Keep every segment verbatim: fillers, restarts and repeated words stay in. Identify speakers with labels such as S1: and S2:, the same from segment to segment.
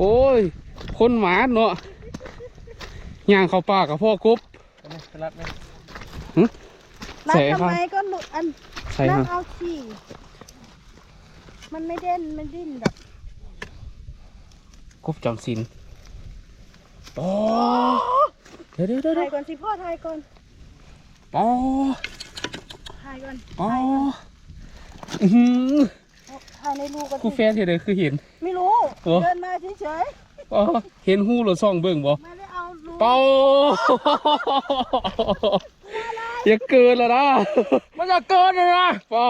S1: โอ้ยคนหมาเนาะย่างเข้าป่ากับพ่อกบ
S2: รัดไหม
S3: รัดทำไมก็หลุดอันนั่นเอาขี้มันไม่เด่นมันดิ้นแบบ
S1: กบจำศีลโอ้เดี๋ยวเดี๋ยวเดี๋ยว
S3: ถ่ายก่อนสิพ่อถ่ายก่อน
S1: โอ้
S3: ถ่ายก่อน
S1: โอ้อือ
S3: ถ่ายในรูกัน
S1: คู่แฟนเห็นเลยคือเห็น
S3: ไม่รู้เดินมาเฉย
S1: ๆอ๋อเห็นหูหรือซ่องเบิ่งบ่
S3: ไม่ได้เอารู
S1: เป้าอย่าเกินแล้วนะมันจะเกินเลยนะป้า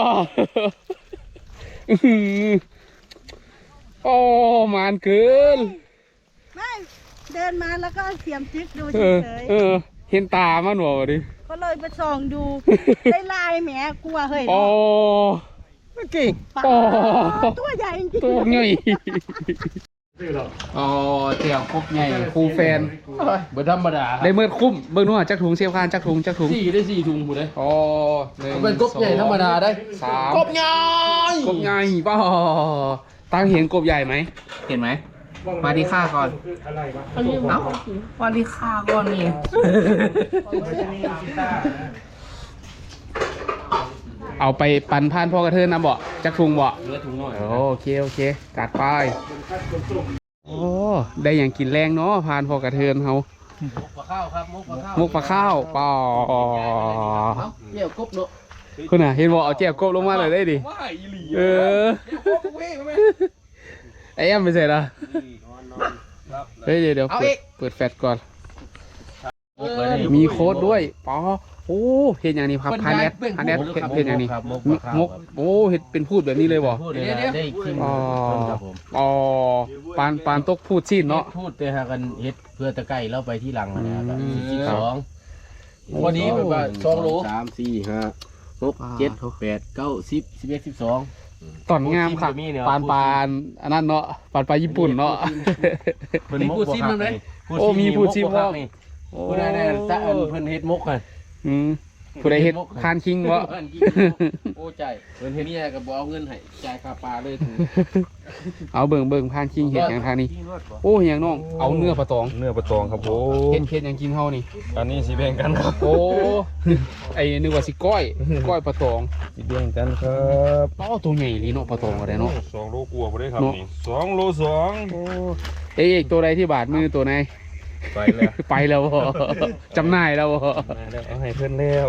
S1: โอ้มันเกิน
S3: ไม่เดินมาแล้วก็เสียมจิ๊กดูเฉย
S1: ๆเออเห็นตามันบ่ดิ
S3: ก็เลยไปส่องดูได้ลายแหมกลัวเฮ้ย
S1: โอ้เก่งโอ้
S3: ตัวใหญ่จริง
S1: ตัวใหญ่อ๋อเจียวครบใหญ่ครูแฟน
S2: เบอร์ธรรมดา
S1: ได้เมื่อคุ้มเบิ่งนู่นจักถุงเสียบคานจักถุงจักถุง
S2: สี่ได้สี่ถุงหมดเลย
S1: อ๋อ
S2: เป็นกบใหญ่ธรรมดาได้
S1: สาม
S2: กบใหญ่
S1: กบใหญ่ป่ะตั้งเห็นกบใหญ่ไหมเห็นไหมมาดีค่าก่อนเอ้ามาดีค่าก่อนนี่เอาไปปั่นผ่านพ่อกระเทินนะบ่จักถุงบ่
S2: เนื้อถุงหน่อย
S1: โอเคโอเคจัดไปโอ้ได้อย่างกินแรงเนาะผ่านพ่อกระเทินเขา
S2: มุกปลาข้าวครับมุกปลาข้าว
S1: มุกปลาข้าวป่อ
S2: เกี่ยวกบเนาะ
S1: คุณน่ะเห็นบ่เอาแก้วกบลงมาเลยได้ดิเออไอ้แอมไปเสร็จละเฮ้ยเดี๋ยวเดี๋ยวเปิดแฟลชก่อนมีโค้ดด้วยป๋อโอ้เห็นอย่างนี้ครับพาเน็ตพาเน็ตเห็นอย่างนี้มกโอ้เห็นเป็นพูดแบบนี้เลยบ่อ๋ออ๋อปานปานตกพูดสิ้นเนาะ
S2: พูดแต่หากันเฮ็ดเพื่อตะไคร้แล้วไปที่หลังนะครับสิบสองวันนี้แบบว่าสองโลสามสี่ห้าหกเจ็ดแปดเก้าสิบสิบเอ็ดสิบสอง
S1: ตอนงามค่ะปานปานอันนั้นเนาะปานปลาญี่ปุ่นเนาะ
S2: มีพูดซิมมั้ย
S1: โอ้มีพูดซิมว่า
S2: ผู้ใดได้ตะเพิ่นเฮ็ดมกกัน
S1: อืมผู้ใดเฮ็ดคานคิงวะ
S2: โอ้ใจเพิ่นเฮ็ดนี่ก็บ่เอาเงินให้จ่ายค่าปลาเลย
S1: เอาเบิ่งเบิ่งคานคิงเฮ็ดอย่างทางนี้โอ้อย่างน้องเอาเนื้อปลาตอง
S4: เนื้อปลาตองครับโอ้
S1: เฮ็ดเฮ็ดอย่างกินเฮานี่
S4: อันนี้สิแบ่งกันครับ
S1: โอ้ไอ้นึกว่าสิก้อยก้อยปลาตอง
S4: สิแบ่งกันครับ
S1: อ๋อตัวใหญ่ลีเนาะปลาตองก็ได้เนาะ
S4: สองโลกว่าบ่ได้ครับนี่สองโลสอง
S1: โอ้เอ้ยตัวใดที่บาดมือตัวไหน
S4: ไปแล้ว
S1: ไปแล้วจำหน่ายแล้ว
S4: เอาให้เพื่อนแล้ว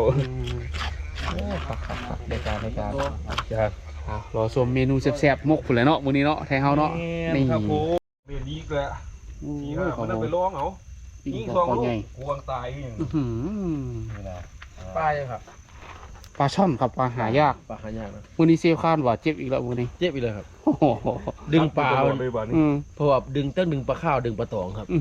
S1: ในการในการ
S4: จ้
S1: รอชมเมนูแซ่บๆมกผุนเลยเนาะมื้อนี้เนาะไทยเฮาเนาะ
S4: นี่ครับโอ้เมนูนี้แหละนี่ฮะมันไปร้องเอายิงสองลูกควงตายอย่าง
S2: นี้นะปลายังครับ
S1: ปลาช่อนครับปลาหายาก
S2: ปลาหายากนะ
S1: มื้อนี้เซฟคานว่าเจ็บอีกแล้วมื้อนี้
S2: เจ็บอีกเลยครับดึงปลาเพราะว่าดึงตั้งดึงปลาข้าวดึงปลาตองครับ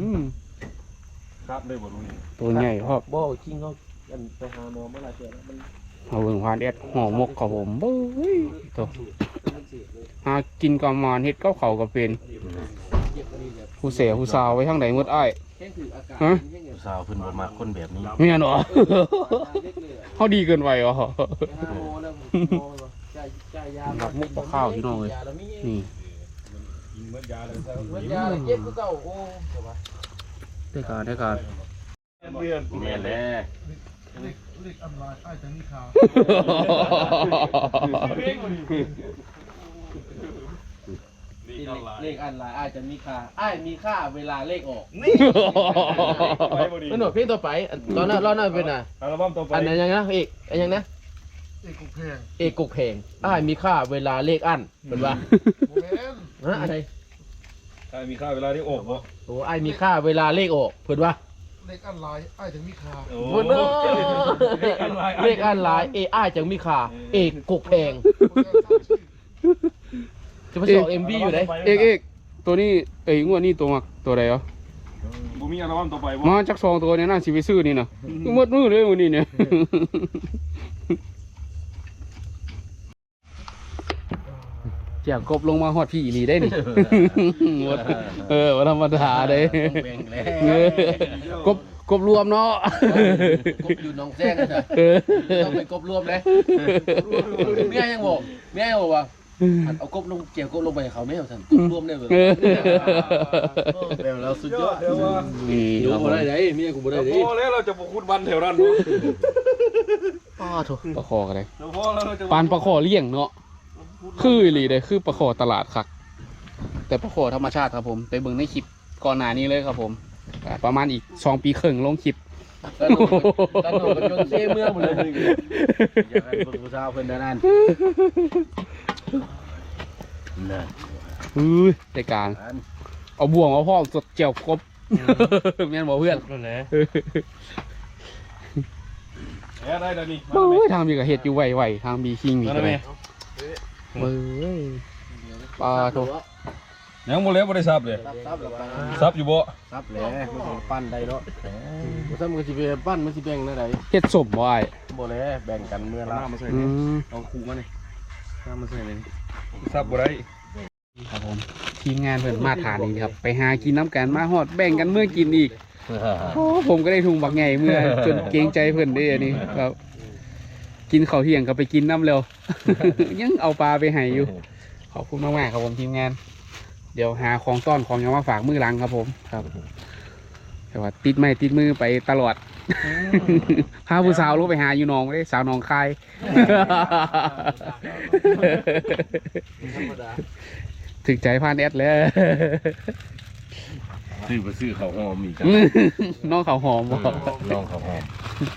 S4: ครับเลยบ่รู้
S1: ตัวใหญ่ครับ
S2: บ่จริงเขาไปหาหมอเมื่อไรเจอแล้วมัน
S1: เอาเบิ่งผ่านเอ็ดห่อหมกครับผมเบ้ยตัวหากินกับมานเฮ็ดกับเขาก็เป็นผู้เสียผู้สาวไว้ทางไหนหมดอ้าย
S2: ฮะผู้สาวเพิ่นบ่มักคนแบบนี้
S1: แม่นบ่เฮาดีเกินไปเหรอรับมุกปลาข้าวพี่น้องเอ้ยนี่ได้การได้การ
S2: แม่นแหละ
S3: เลขอันลายอ้ายจะมีค่า
S2: เลขอันลายอ้ายจะมีค่าอ้ายมีค่าเวลาเลขออกนี่มันหนวดเพลงต่อไปตอนนั้นรอบนั้นเป็นอ่ะ
S4: อัลบั้มต่อไป
S2: อันไหนยังนะเอกอันยังนะ
S3: เอกกุกแพง
S2: เอกกุกแพงอ้ายมีค่าเวลาเลขอันเป็นว่าฮะอะไร
S4: อ้ายมีค่าเวลาเลขออกบ่
S2: โอ้อ้ายมีค่าเวลาเลขออกเพิ่นว่า
S3: เลขอันลายอ้ายถึงมีค่า
S2: โอ้โหเลขอันลายเออ้ายจังมีค่าเอกกุกแพงจะไปสอบเอ็มบีอยู่ไหน
S1: เอกเอกตัวนี้เอ้ยงวดนี้ตัวมักตัวใดเหรอ
S4: บ่มีอัลบั้มต่อไปบ่
S1: มาจักสองตัวเนี่ยน่าสิไปซื้อนี่นะหมดมือเลยวันนี้เนี่ยเจียกบลงมาฮอดพี่อีหลีได้นี่เออว่าธรรมดาเด้กบกบรวมเนาะ
S2: กบอยู่หนองแจ้งนะต้องเป็นกบรวมเลยเมียยังบอกเมียยังบอกว่าเอากบลงเกี่ยวกบลงไปเขาไม่เอาท่านรวมได้เลย
S1: เออ
S2: แบบเราสุดยอด
S4: เดี๋ยวว่า
S1: นี่
S2: ดู
S1: ครับผ
S2: บ่
S1: ม
S2: ได้ไหนเมียกูบ่ได้
S4: เดี๋ยว
S2: ดิ
S4: พอแล้วเราจะบอกคุณวันแถวนั้นเนาะ
S1: อ้อโถปลาคอกันเลย
S4: เดี๋ยวพอแล้วเราจะ
S1: ปานปลาคอเลี้ยงเนาะคืออีหลีเลยคือปลาคอตลาดคักแต่ปลาคอธรรมชาติครับผมไปเบิ่งในคลิปก่อนหน้านี้เลยครับผมอ่าประมาณอีกสองปีครึ่งลงคลิป
S2: ตอนนู้นตอนนู้นก็จนเซ่เมืองหมดเลยอยากให้เบิ่งผู้สาวเพิ่นนั่นนั่น
S1: อุ้ยในการเอาบ่วงเอาพ่อสดเจียวกบแม่นบอกเพื่อน
S2: นั่นแหละ
S4: แหมได้แล้วนี่
S1: โอ้ยทางมีกับเห็ดอยู่ไหวๆทางมีคิงมี
S4: มา
S1: กั
S4: แล้ว
S1: นเล
S4: แม่
S1: ยเบ้ยปลาโถ
S4: ยังบ่แล้วบ่ได้ซับเลย
S2: ซับแล้วไป
S4: ซับอยู่บ่
S2: ซับแหละมันสิปั้นได้เนาะบ่ซับมันสิไปปั้นมันสิแบ่งได้ได
S1: เห็ดสมบ่ไอ้
S2: บ่แลแบ่งกันเมื่อละ
S1: อืม
S2: เอาคู่มานี่น้ำมาใส่เลย
S4: ซับบ่ได้
S1: ครับผมทีมงานเพิ่นมาทานนี่ครับไปหากินน้ำกันมาฮอดแบ่งกันเมื่อกินอีกโอ้ผมก็ได้ทุงบักไงเมื่อจนเกรงใจเพิ่นได้อันนี้ครับ กินข้าวเที่ยงก็ไปกินน้ำเร็ว ยังเอาปลาไปให้อยู่ขอบคุณมากๆครับผมทีมงาน เดี๋ยวหาของต้อนของยังมาฝากมือหลังครับผมครับแต่ว่าติดไม้ติดมือไปตลอด พาผู้สาวลูกไปหาอยู่หนองได้สาวหนองคาย ถึงใจพานแอดแล้ว
S2: ซื้อไปซื้อข้าวหอมอีก
S1: น้องเขาวหอมบอก
S2: ลองข้าวหอม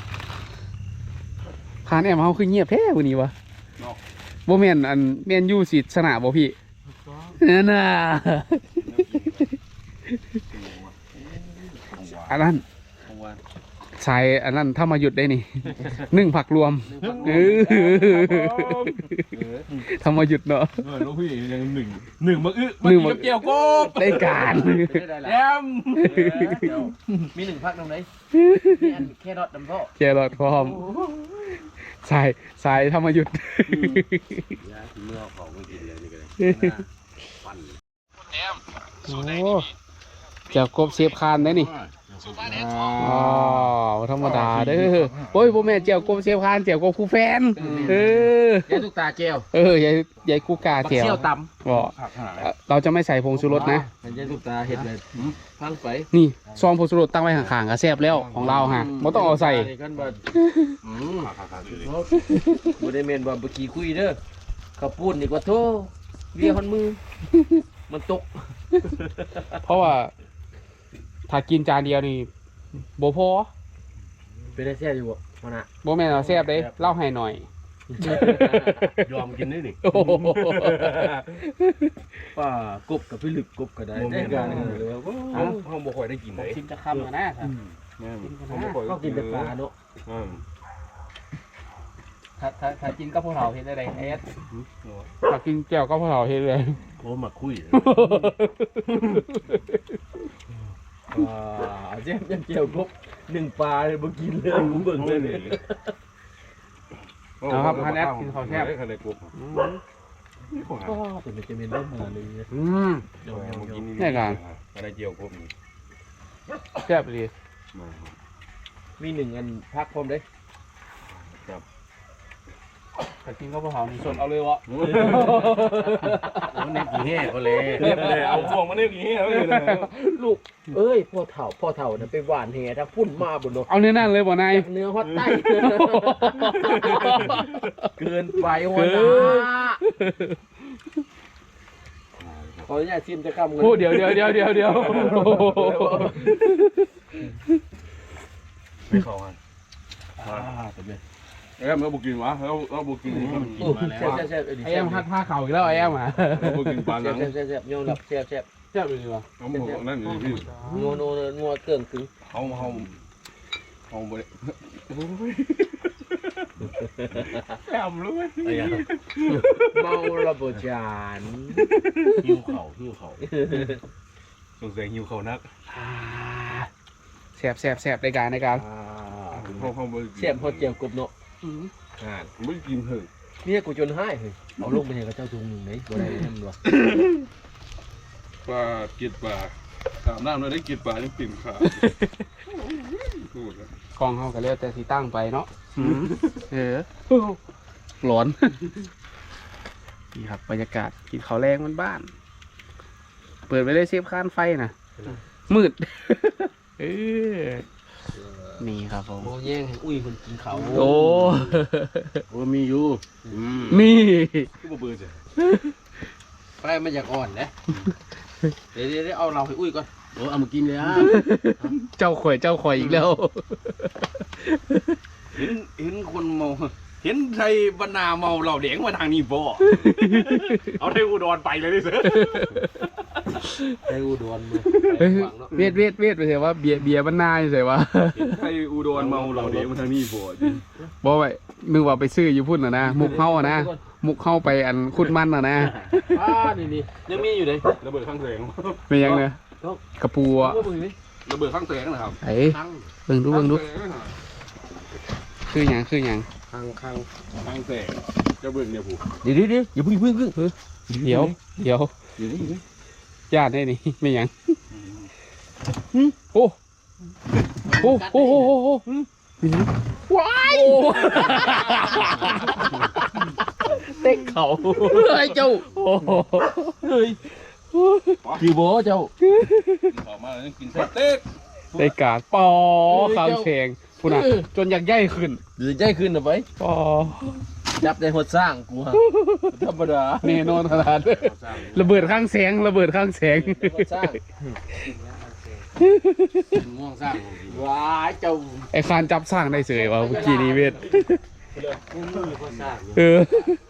S1: พานแอดมาเขาคือเงียบแท้วันนี้วะโบแมนอันแมนยูสิชนะบ่พี่นั่นน่ะอันนั้นใส่อันนั้นถ้ามาหยุดได้นี่ หนึ่งผักรวมเออทำมาหยุดเนาะ
S4: เออลูกพี่ยังหนึ่งหนึ่งมาอึ
S1: หนึ่งมา
S4: เกี่ยวกบ
S1: ได้การ
S4: แอม
S2: มีหนึ่งพักตรงไหนมีอันแค่รอดดำพ่อ
S1: แกรอดพร้อมใส่ใส่ทำมาหยุด
S2: เมื่อของไม่กินเลยนี่ก็เลย
S1: โอ้เจ้ากบเสียบคานได้นี่อ๋อธรรมดาเด้อโอ้ยพ่อแม่เจ้ากบเสียบคานเจ้ากบคู่แฟนเออ
S2: แกทุกตาแก้ว
S1: เออยายยายกูกา
S2: บัก
S1: เจียว
S2: เชี่ยวต
S1: บอกเราจะไม่ใส่ผงชูรสนะ
S2: ำมันแกทุกตาเห็ดเลยพังไป
S1: นี่ซองผงชูรสตั้งไว้ข้างๆก็แซ่บแล้วของเราฮะไม่ต้องเอาใส่
S2: กันบ่อืมบ่ได้เมนบ่เมื่อกี้คุยเด้อข้าวปุ้นอีกว่าโธ่เวียคนมือ มันตก
S1: เพราะว่าถ้ากินจานเดียวนี่โบพอ
S2: เป็นได้แซ่บอยู่บ่มันอ่ะ
S1: โบแม่นเราแซ่บเด้เล่าให้หน่อย
S2: ยอมกินได้นี่
S1: โอ้โห
S2: ป้ากบกับพี่ลึกกบก็ได้ได้กันเลยว่า
S4: ห้องห้องบ่ค่อยได้กินเลย
S1: ชิมจะคำกันนะครับ
S4: ห้องบ่ค่อย
S2: ก็กินแต่ปลาเนาะ
S4: อืม
S1: ถ้าถ้าถ้ากินก็พวกเราเห็นอะไรเอสถ้ากินแก้วก็พวกเราเห็นเลย
S2: โอ้มาคุยอ่าเจ็บยังเกี่ยวกบหนึ่งปลาเลยบ่กินเลยกูเบิ่งเลยนี่
S1: เอาครับพันแอดกินข้าวแซ่บ
S4: คันได้กบ
S2: ก็เป็นจะเป็นเริ่มมาเลย
S1: อืม
S2: เดี๋ยวยังกิน
S1: แน่กัน
S4: อะไรเกี่ยวกบนี่
S1: แซ่บเลย
S2: มีหนึ่งอันพักพร้อมเด้
S1: ถ้ากินก็พวกเรานี่สดเอาเลยวะ
S2: มันเนี่ยกี่แห่ก็เลย
S4: เรียบเลยเอาพวงมาเนี่ยกี่เหี้ยเลยนะ
S2: ลูกเอ้ยพ่อเถ่าพ่อเถ่าน่ะไปหวานแห่ถ้าพุ่นมาบนโด
S1: เอาเนื้อนั่นเลยบ่นาย
S2: เนื้อฮอตไต้เกินไปหัวหน้าขออนุญาตชิมจะคำเงิน
S1: โอ้เดี๋ยวเดี๋ยวเดี๋ยวเดี๋ยวเดี๋ยว
S4: ไม่เข้ากัน
S2: อ่าเป็นไง
S4: เอ้ยเราบุกินวะเราเราบุกิน
S2: โอ้แซ่บแซ่บ
S1: ไอ้แอมพัดผ้าเข่าอีกแล้วไอ้แอมอ่ะ
S4: เราบุกินปลาหนัง
S2: แซ่บแซ่บแซ่บโยนแบบแซ่บแซ่บ
S1: แซ่บเลยวะ
S4: เขาบอกนั่นนี่พี่
S2: งัวโนงัวเกินถึง
S4: เขาเขาเขาบ่ได้แอมรู้ไหม
S2: เมาระเบิดจาน
S4: หิวเข่าหิวเข่าสงสัยหิวเข่านัก
S1: แซ่บแซ่บแซ่บในการในการ
S4: เขาเขาบ่
S2: แซ่บฮอตเจียวกบเนาะ
S4: อ่าไม่กินเถอะ
S2: เนี่ยกูจนให้เฮ้ยเอาลงไปให้กับเจ้าทุงหนึ่งไหนบ่ได้นั่นหรอ
S4: ปลากินปลาถามน้ำเราได้กินปลายังปิ่มขาพูด
S1: กองเขาก็เรียกแต่สีตั้งไปเนาะเออร้อนนี่ครับบรรยากาศกินข้าวแรงมันบ้านๆเปิดไปเลยเซฟข้านไฟนะมืด เออนี่ครับผม
S2: โมแย่งให้อุ้ยคนกินเขา
S1: โอ้
S2: โอ้มีอยู่
S1: นี่
S4: คือบ่เบื่อจ้ะ
S2: ไฟมันอยากอ่อนนะเดี๋ยวเดี๋ยวเอาเราให้อุ้ยก่อนโอ้เอามากินเลยอ่ะ
S1: เจ้าข่อยเจ้าข่อยอีกแล้ว
S4: เห็นเห็นคนเมาเห็นไทยบรรณาเมาเหล่าเด็กมาทางนี้บ่ เอาไทยอุดรไปเลยดิเสือ
S2: ไอ้อุดรมือ
S1: เฮ้ยเวียดเวียดเวียดไปเถอะว่าเบียร์เบียร์มันนายเฉยว่า
S4: เห็นไทยอุดรเมาเหล่าเด็กมาทางนี้บ่
S1: บอกไว้นึกว่าไปซื้ออยู่พุ่นน่ะนะมุกเข้าอะนะมุกเข้าไปอันคุดมันน่ะนะ
S2: อ่านี่นี่ยังมีอยู่เลย
S4: ระเบิดข้างแสง
S1: เป็นยังเนี่ยกระปูอะ
S4: ระเบิดข้างแสงนะครับ
S1: ไอ้เบิ่งดูเบิ่งดูคือหยังคือหยัง
S2: ข้างข้าง
S4: ข้างแสงจะเบิ่งเนี่ยผู้
S2: เดี๋ยวเดี๋ยวเดี๋ยวอย่าเพิ่งเพิ่งเพิ่ง
S1: เดี๋ยวเดี๋ยว
S2: เดี๋ยวนี่
S1: ญาติได้นี่ไม่หยังโอ้โอ้โอ้โอ้โอ้โอ้ว้ายเต็กเขาเฮ้ยเจ้าโอ้เฮ้ย
S2: กี่โบเจ้า
S4: ขอมาแล้วกินสเต็ก
S1: ได้การปอข้าวแข็งพูดนะจนอยากใหญ่ขึ้น
S2: หรือใจขึ้นหรือไป
S1: ปอ
S2: จับในหัวสร้างกูฮะธรรมดา
S1: แน่นอนขนาดระเบิดข้างแสงระเบิดข้างแสง
S2: หัวสร้างง่วงสร้างว้าเจ้า
S1: ไอ้คานจับสร้างได้เสยว่ะเมื่อกี้นี้เวท
S2: หัวสร้าง
S1: เออ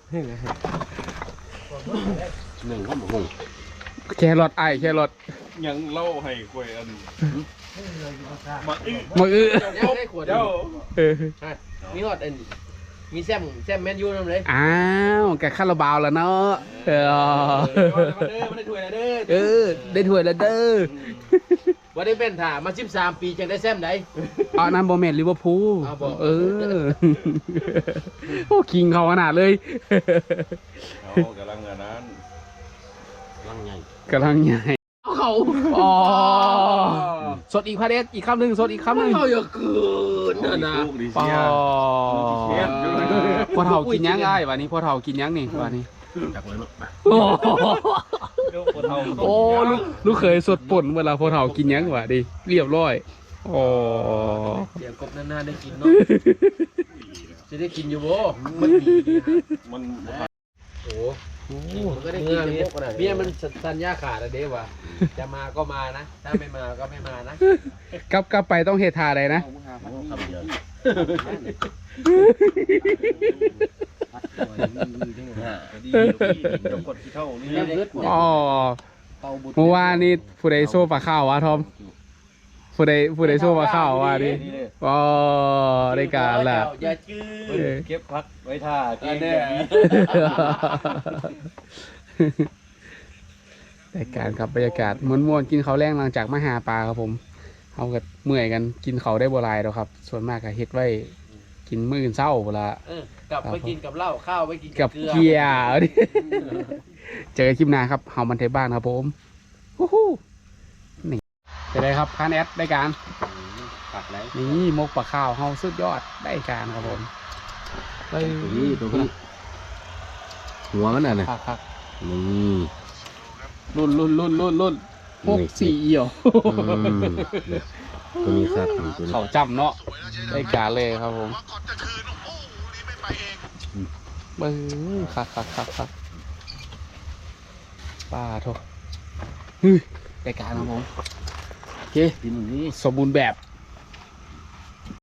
S2: หนึ่งข้าวหมู
S1: แครอทไอ้แครอท
S4: ยังเล่าให้ควยอันมาอื้อ
S1: มือ
S2: เจ้าได้ขวด
S4: เจ้า
S1: เออ
S2: มีหอดอันมีแซมแซมแมนยูนั่นเลย
S1: อ้าวแกคาราบาวแล้วเนาะเออ
S4: มาเด้อมาได้ถ้วยแล้วเด้อ
S1: เออได้ถ้วยแล้วเด้อ
S2: วันนี้เป็นถ่ามาสิบสามปีจังได้แซมไหน
S1: อ๋อนั่นบอแมนลิเวอร์พูล
S2: อ้าวบ่
S1: เออโอ้คิงเขาขนาดเลย
S4: เอากำลังงานนั้น
S2: ลังใหญ่
S1: กำลังใหญ่เขาอ๋อสดอีกพาเดสอีกคำหนึ่งสดอีกคำหนึ่ง
S2: เขาอย่าเกินนะนะ
S4: ลูกดี
S1: ปอ
S4: เสีย
S1: พอเท่ากินยังไงวันนี้พอเท่ากินยังนี่วันนี้
S2: จากเลยเนาะ
S1: โอ้โอ้ลูกลูกเคยสดป่นเวลาพอเท่ากินยังวะดิเรียบร้อยโอ้
S2: เดี๋ยวกบนานๆได้กินเนาะจะได้กินอยู่บ่มันมี
S4: มัน
S2: โอ้มันก็ได้กินจะพวกอะไรเมียมันสัญญาขาดอะเด้ว่ะจะมาก็มานะถ้าไม่มาก็ไม่มานะ
S1: กลับกลับไปต้องเฮทาอะไรนะ
S2: คำเดียว
S4: ดีดีกดที่เท่านี้
S1: อ๋อเมื่อวานนี้ผู้ใดโซ่ปลาข้าววะทอมผู้ใดผู้ใดโซ่ปลาข้าววะดิอ๋อได้การละ
S2: อย่าจื้อ
S4: เก็บพักไว้ท่าเก่ง
S1: ได้การครับบรรยากาศม้วนๆกินข้าวแรงหลังจากมาหาปลาครับผมเอากับเมื่อยกันกินเขาวได้บ่หลายแล้วครับ ส่วนมากก็เฮ็ดไว้กินมื้ออื่นเช้าเวลา
S2: กลับไปกินกับเหล้าข้าวไปกิน
S1: กับเกียร์ดิ เจอกันคลิปหน้าครับเฮามันเทบ้านครับผมฮู้ฮู้นี่จะได้ครับคานแอดได้การ
S2: ปักแล้ว
S1: นี่มกปลาข้าวเฮาสุดยอดได้การครับผมเฮ้ย
S2: นี่ตัวนี้หัวมันอ่ะนะ
S1: คักคัก
S2: นี่
S1: รุ่นรุ่นรุ่นรุ่นรุ่นหกสี่เอี่ยว
S2: ตัวนี้ครับตัวนี้
S1: เขาจำเนาะได้การเลยครับผมเบ้อคักคักคักคักป้าโทษเฮ้ยได้การครับผมโอเค
S2: กินนี่
S1: สมบูรณ์แบบ